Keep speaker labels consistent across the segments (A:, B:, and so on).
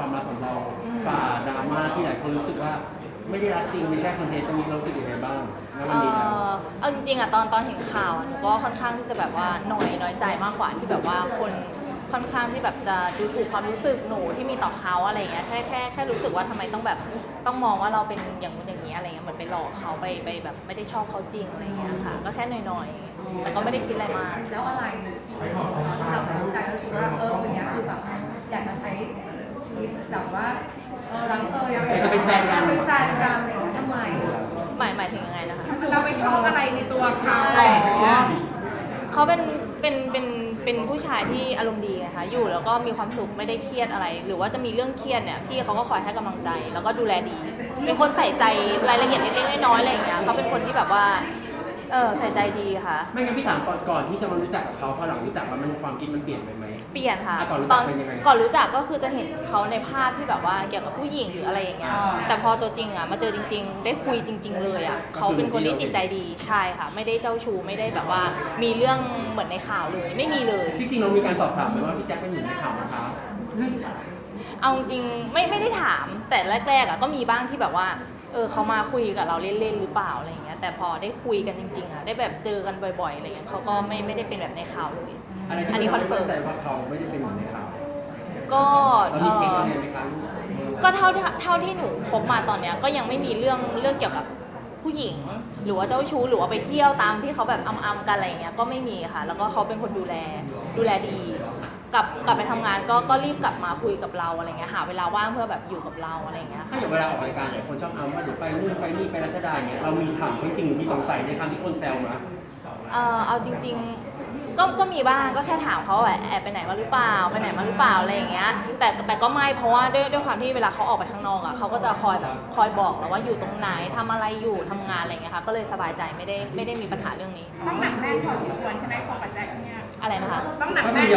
A: ความรักของเราฝ่าดราม่าที่หลายคนรู้สึกว่าไม่ได้รักจริงเป็นแค่คอนเทนต์ตรงนี้เรารู้สึกยังไงบ้างณวันนี้แล้ว
B: เอาจริงๆอะตอนเห็นข่าวอะหนูก็ค่อนข้างที่จะแบบว่าน้อยใจมากกว่าที่แบบว่าคนค่อนข้างที่แบบจะดูถูกความรู้สึกหนูที่มีต่อเขาอะไรอย่างเงี้ยแค่รู้สึกว่าทำไมต้องแบบต้องมองว่าเราเป็นอย่างนู้นอย่างนี้อะไรเงี้ยเหมือนไปหลอกเขาไปแบบไม่ได้ชอบเขาจริงอะไรเงี้ยค่ะก็แค่น้อยๆแต่ก็ไม่ได้คิดอะไรมาก
C: แล้วอะไรที่เราตัดสินใจรู้สึกว่าคนนี้คือแบบอยากจะใช้ชีวิตแบบว่ารัก
A: จะเป็นแฟนกัน
C: เป็นแฟนกันอะไรอย่างเงี้ยทำไม
B: หมายถึงยังไงนะคะ
D: เราไปชอบอะไรในตัวเขา
B: เขาเป็นผู้ชายที่อารมณ์ดีนะคะอยู่แล้วก็มีความสุขไม่ได้เครียดอะไร หรือว่าจะมีเรื่องเครียดเนี่ยพี่เขาก็คอยให้กำลังใจแล้วก็ดูแลดี เป็นคนใส่ใจรายละเอียดเล็กๆน้อยๆอะไรอย่างเงี้ยเขาเป็นคนที่แบบว่าใส่ใจดีค่ะ
A: ไม่งั้นพี่ถามก่อนที่จะมารู้จักกับเขาพอหลังรู้จักแล้วมันความคิดมันเปลี่ยนไปไหม
B: เปลี่ยนค่ะ
A: ก่อนรู้จักเป็นยังไง
B: ก่อนรู้จักก็คือจะเห็นเขาในภาพที่แบบว่าเกี่ยวกับผู้หญิงหรืออะไรอย่างเงี้ยแต่พอตัวจริงอ่ะมาเจอจริงๆได้คุยจริงๆเลยอ่ะเขาเป็นคนที่จิตใจดีใช่ค่ะไม่ได้เจ้าชู้ไม่ได้แบบว่ามีเรื่องเหมือนในข่าวเลยไม่มีเลย
A: ที่จริงเรามีการสอบถามไหมว่าพี่แจ็คเป็นหนึ่งในข่าวนะคะ
B: เอาจริงไม่ได้ถามแต่แรกๆอ่ะก็มีบ้างที่แบบว่าเขามาคุยกับเราเล่นๆหรือเปล่าอะไรอย่างเงี้ยแต่พอได้คุยกันจริงๆอ่ะได้แบบเจอกันบ่อยๆอะไรอย่างเงี้ยเขาก็ไม่ได้เป็นแบบในข่าวเลย
A: อันนี้คอนเฟิร์มใจว่าเขาไม่ได้เป็นเหมือนในข่าว
B: ก็
A: เรามีเช็คอะไรไหมคะ
B: ก็เท่าที่หนูคบมาตอนเนี้ยก็ยังไม่มีเรื่องเกี่ยวกับผู้หญิงหรือว่าเจ้าชู้หรือว่าไปเที่ยวตามที่เขาแบบอำกันอะไรอย่างเงี้ยก็ไม่มีค่ะแล้วก็เขาเป็นคนดูแลดีกลับไปทำงานก็รีบกลับมาคุยกับเราอะไรเงี้ยหาเวลาว่างเพื่อแบบอยู่กับเราอะไรเงี้ย
A: ถ้าอย่างเวลาออกรายการหลายคนชอบเอาว่าเดี๋ยวไปนู่นไปนี่ไปรัชดาอย่างเงี้ยเรามีถามจริงๆหรือมีสงสัยในคำที่คนแซวมา
B: เอาจริงๆก็มีบ้างก็แค่ถามเขาว่าแอบไปไหนมาหรือเปล่าไปไหนมาหรือเปล่าอะไรอย่างเงี้ยแต่ก็ไม่เพราะว่าด้วยความที่เวลาเขาออกไปข้างนอกอ่ะเขาก็จะคอยบอกเราว่าอยู่ตรงไหนทำอะไรอยู่ทำงานอะไรเงี้ยค่ะก็เลยสบายใจไม่ได้มีปัญหาเรื่องนี้
D: ต้องหนักแน่นพอสมควรใช่ไหมพอปัจจัยเนี่ย
B: อะไรนะคะ
D: ต้องหนักแน่น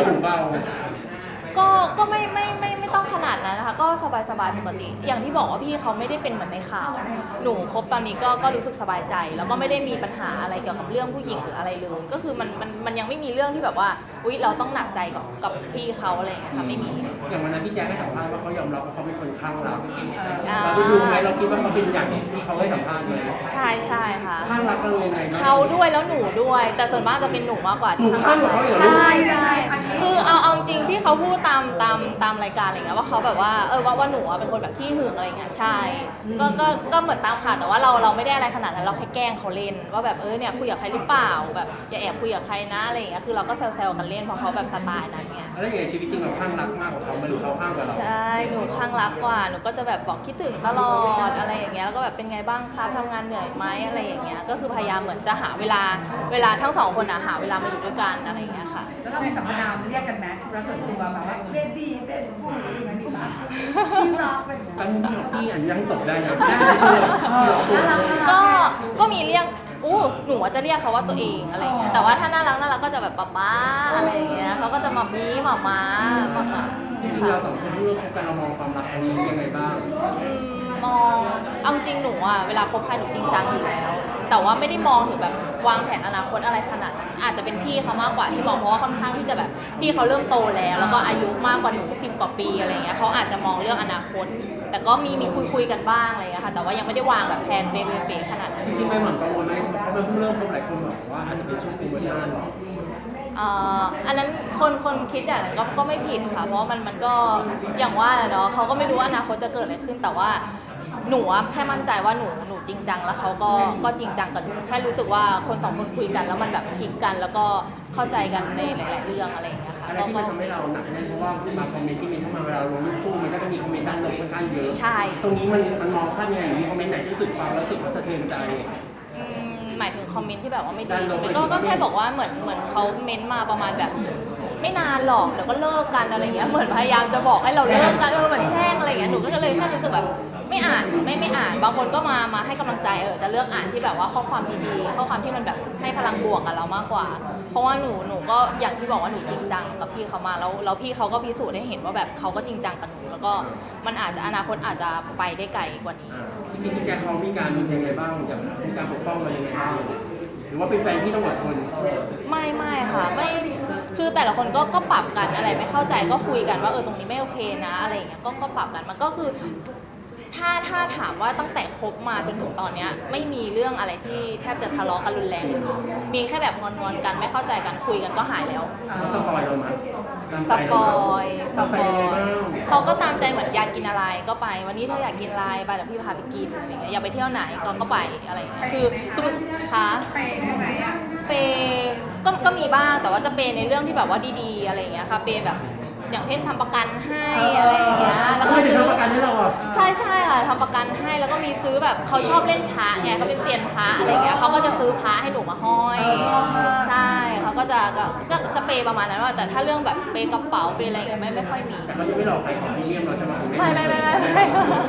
B: ก็ไม่ต้องขนาดนั้นนะคะก็สบายปกติอย่างที่บอกว่าพี่เขาไม่ได้เป็นเหมือนในข่าวหนูคบตอนนี้ก็รู้สึกสบายใจแล้วก็ไม่ได้มีปัญหาอะไรเกี่ยวกับเรื่องผู้หญิงหรืออะไรเลยก็คือมันยังไม่มีเรื่องที่แบบว่าอุ๊ยเราต้องหนักใจกับพี่เขาอะไรอย่างเงี้ยค่ะไม่มี
A: อย่างวันนั้นพี่แจ๊คให้สัมภาษณ์ว่าเขายอมรับว่าเขาเป็นคนข้างรักเราได้ดูไหมเราคิดว่าเขาเป็นอย่างที่เขาให้สัมภาษณ์ไหม
B: ใช่ค่ะ
A: ข้างรักกันยังไง
B: เขาด้วยแล้วหนูด้วยแต่ส่วนมากจะเป็นหนูมากกว่าที่
A: ข้างรัก
B: ใช่คือเอาจริงที่เขาพูดตามรายการอะไรเงี้ยว่าเขาแบบว่าว่าหนูเป็นคนแบบขี้หึงอะไรเงี้ยใช่ก็เหมือนตามข่าวแต่ว่าเราไม่ได้อะไรขนาดนั้นเราแค่แกล้งเขาเล่นว่าแบบเนี่ยคุยกับใครหรือเปล่าแบบอย่าแอบคุยกับใครนะอะไรเงี้ยคือเราก็แซวๆกันเล่นเพราะเขาแบบสไตล์นั้นเงี้ย
A: แล้วอย่างชีวิตจริงเราข้างรักมากกว่าเขาหรือเขาข้างกว่าเรา
B: ใช่หนูข้างรักกว่าหนูก็จะแบบบอกคิดถึงตลอดอะไรอย่างเงี้ยแล้วก็แบบเป็นไงบ้างครับทำงานเหนื่อยไหมอะไรอย่างเงี้ยก็คือพยายามเหมือนจะหาเวลาทั้งสองคนหาเวลามาอยู่ด้วยกันอะไรอย่างเงี้ยค่ะ
C: แล้วเรามีสัมมนาเรียกกันไหมเราส่วนตัวแบบว่าเบบี้เป็นพูดยังไงดีบ้างที่รักเป็น
A: อันนี้พี่อนุญาตให้ตกได้นะ
B: ก็มีเรียกหนูจะเรียกเขาว่าตัวเองอะไรเงี้ยแต่ว่าถ้าน่ารักก็จะแบบป๊าอะไรอย่างเงี้ยเขาก็จะมามีหมา
A: ที่เราสองคนที่ร่วมกันเรามองความรักอันนี้ยังไงบ้าง
B: มองเอาจริงหนูเวลาคบใครหนูจริงจังอยู่แล้วแต่ว่าไม่ได้มองถึงแบบวางแผนอนาคตอะไรขนาดนั้นอาจจะเป็นพี่เขามากกว่าที่มองเพราะว่าค่อนข้างที่จะแบบพี่เขาเริ่มโตแล้วก็อายุมากกว่าหนู10 กว่าปีอะไรเงี้ยเขาอาจจะมองเรื่องอนาคตแต่ก็มีคุยกันบ้างอะไรเงี้ยค่ะแต่ว่ายังไม่ได้วางแบบแผนเป๊ะขนาดนั้น
A: จริงๆไม่เหมือนกังวลไหมเพราะมันเพิ่งเริ่มพบหลายคนบอกว่าอาจจะเป็นช่วงโปรโมชั่น
B: อันนั้นคนคิดอย่างนั้นก็ไม่ผิดค่ะเพราะมันก็อย่างว่าแหละเนาะเขาก็ไม่รู้ว่าอนาคตจะเกิดอะไรขึ้นแต่ว่าหนูแค่มั่นใจว่าหนูจริงจังแล้วเขาก็จริงจังกับหนูแค่รู้สึกว่าคนสองคนคุยกันแล้วมันแบบคลิกกันแล้วก็เข้าใจกันในหลายๆเรื่องอะไรอย่างเงี้ยค่ะ
A: อะไรที่มันทำให้เราหนักแน่นเพราะว่าบางคอมเมนต์ที่มีเข้ามาเวลาลงรูปคู่มันก็จะมีคอมเมนต์ด้านลบค่อนข้างเยอะ
B: ใช่
A: ตรงนี้มันมองภาพยังไงมีคอมเมนต์ไหนที่รู้สึกฟังแล้วรู้สึกว่าสะเทือนใจ
B: หมายถึงคอมเมนต์ที่แบบว่าไม่ดีใช่ไหมก็แค่บอกว่าเหมือนเขาเม้นมาประมาณแบบไม่นานหรอกเดี๋ยวก็เลิกกันอะไรเงี้ยเหมือนพยายามจะบอกให้เราเลิกกันเหมือนแช่งอะไรเงี้ยหนูก็เลยแค่รู้สึกแบบไม่อ่านไม่อ่านบางคนก็มาให้กำลังใจจะเลือกอ่านที่แบบว่าข้อความดีๆข้อความที่มันแบบให้พลังบวกกับเรามากกว่าเพราะว่าหนูก็อย่างที่บอกว่าหนูจริงจังกับพี่เขามาแล้วพี่เขาก็พิสูจน์ให้เห็นว่าแบบเขาก็จริงจังกับหนูแล้วก็มันอาจจะอนาคตอาจจะไปได้ไกลกว่านี้
A: จริงๆพี่แจ๊คเขามีการดูยังไงบ้างอย่างมีการปกป้องเรายังไงบ้างหรือว่าเป็นแฟนที่ต้องอดทน
B: ไม่ค่ะไม่คือแต่ละคนก็ปรับกันอะไรไม่เข้าใจก็คุยกันว่าตรงนี้ไม่โอเคนะอะไรอย่างเงี้ยก็ปรับกันมันก็คือถ้าถามว่าตั้งแต่คบมาจนถึงตอนเนี้ยไม่มีเรื่องอะไรที่แทบจะทะเลาะกันรุนแรงเลยมีแค่แบบงอนๆกันไม่เข้าใจกันคุยกันก็หายแล้ว
A: เขาสปอยเราไหม
B: สปอยส
A: ตาม
B: ป
A: ใจ
B: อ
A: ยังไง
B: ย
A: บ้าง
B: เขาก็ตามใจเหมือนอยากกินอะไรก็ไป วันนี้เธออยากกินอะไรไปเดี๋ยวพี่พาไปกินอะไรเงี้ยอยากไปเที่ยวไหนก็ไปอะไรเงี้ยคือคะ
D: ไปได้ไหมอ่ะ
B: เปย์ก็มีบ้างแต่ว่าจะเปย์ในเรื่องที่แบบว่าดีๆอะไรเงี้ยค่ะเปย์แบบอย่างเช่นทำประกันให้อะไรอย่างเงี้ยแล้วก็
A: ไม่ถึง
B: ซื้อ
A: ทำประกันให้เราอ่ะ
B: ใช่ค่ะทำประกันให้แล้วก็มีซื้อแบบเขาชอบเล่นพระไงเขาเป็นเซียนพระอะไรเงี้ยเขาก็จะซื้อพระให้หนูมาห้อยใช่เขาก็จะเปย์ประมาณนั้นว่าแต่ถ้าเรื่องแบบเปย์กระเป๋าเปย์อะไรเงี้ยไม่ค่อยมี
A: แต่เขายังไม่หลอกใครของพรีเมียมเราใช่ไหม
B: ไม่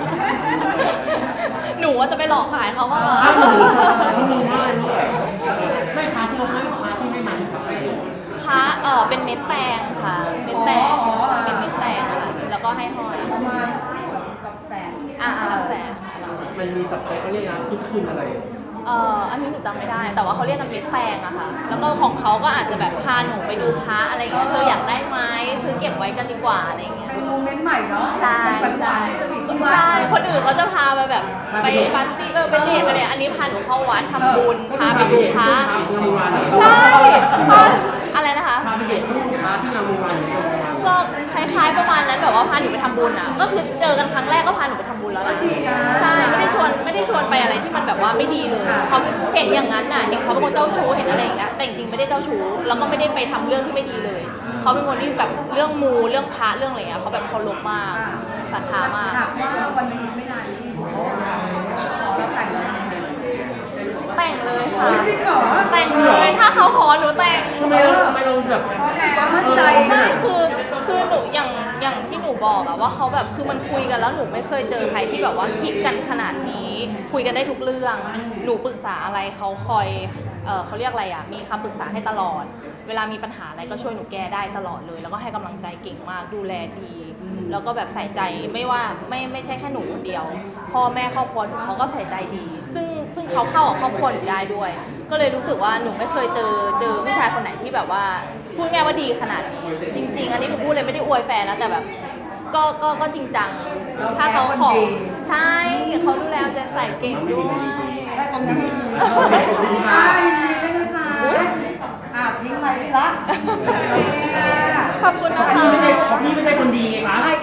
B: หนูว่าจะไปหลอกขายเขาว่า
A: ไม่มีมากเลยลูกไม่พาที่เราให้พาที่ให้มันพาไป
B: พระเป็นเม็ดแตงค่ะเม็ดแตงเป็นเม็ดแตงค่ะแล้วก็ให้ห้อย
C: ประมาณแบบแสน
B: หลักแสนค่ะหลักแสน
A: มันมีสับเตเขาเรียกนะพุทธคุณอะไร
B: อันนี้หนูจำไม่ได้ แต่ว่าเขาเรียกกันเม็ดแตงอะค่ะ แล้วก็ของเขาก็อาจจะแบบพาหนูไปดูพระอะไรเงี้ย เธออยากได้ไหมซื้อเก็บไว้กันดีกว่าอะไรเงี้ย
C: เป็นโมเมนต์ใหม่เนาะ
B: ใช่
C: เป็นหวา
B: ใช่
C: นๆสวีทที่ว่า
B: ใช่คนอื่นเขาจะพาไปแบบไปปาร์ตี้ไปเดทไปเลยอันนี้พาหนูเข้าวัดทำบุญพาไปดูพระ
A: งามวงวาน
B: ใช่พาอะไรนะคะ
A: พาไปเด็กลูกพาที่งามวงวานหรืองามวงวาน
B: ก็คล้ายๆประมาณนั้นแบบว่าพาหนูไปทำบุญอ่ะ ก็คือเจอกันครั้งแรกก็พาหนูไปทำบุญแล้วนะใช่ไม่ได้ชวนไปอะไรที่มันแบบว่าไม่ดีเลยเขาเห็นอย่างนั้นน่ะเห็นเขาเป็นคนเจ้าชู้เห็นอะไรอย่างเงี้ยแต่จริงๆไม่ได้เจ้าชู้แล้วก็ไม่ได้ไปทำเรื่องที่ไม่ดีเลยเขาเป็นคนที่แบบเรื่องมูเรื่องพระเรื่องอะไรเงี้ยเขาแบบเคารพมากศรัทธามาก
C: ถามว่าวันนี้ไม่นานนี้เขาขอเราแต่งงาน
B: แต่งเลยค่ะ
C: จริงเหรอ
B: แต่งเลยถ้าเขาขอหนูแต่ง
A: ทำไมเราแบบ
C: มั่นใจ
B: ไม่คือหนูอย่างที่หนูบอกอะว่าเขาแบบคือมันคุยกันแล้วหนูไม่เคยเจอใครที่แบบว่าคิดกันขนาดนี้คุยกันได้ทุกเรื่องหนูปรึกษาอะไรเขาคอยเขาเรียกอะไรอะมีคำปรึกษาให้ตลอด เวลามีปัญหาอะไรก็ช่วยหนูแก้ได้ตลอดเลย แล้วก็ให้กำลังใจเก่งมากดูแลดี แล้วก็แบบใส่ใจไม่ว่าไม่ใช่แค่หนูคนเดียวพ่อแม่ครอบครัวหนูเขาก็ใส่ใจดี ซึ่งเขาเข้ากับครอบครัวหนูได้ด้วย ก็เลยรู้สึกว่าหนูไม่เคยเจอผู้ชายคนไหนที่แบบว่าพูดง่ายว่าดีขนาดนี้จริง ๆ อันนี้หนูพูดเลยไม่ได้อวยแฟนนะแต่แบบก็จริงจังถ้าเขาขอใช่เขาดูแลเอาใจใส่เก่งด้วย
C: ใช่ตรงนั้นยินดีด้วยนะคะทิ้งไปพี่ละ
B: ขอบคุณนะ
A: พี่
B: คะ
A: ไม่ใช่คนดีไงคะ
C: ใช่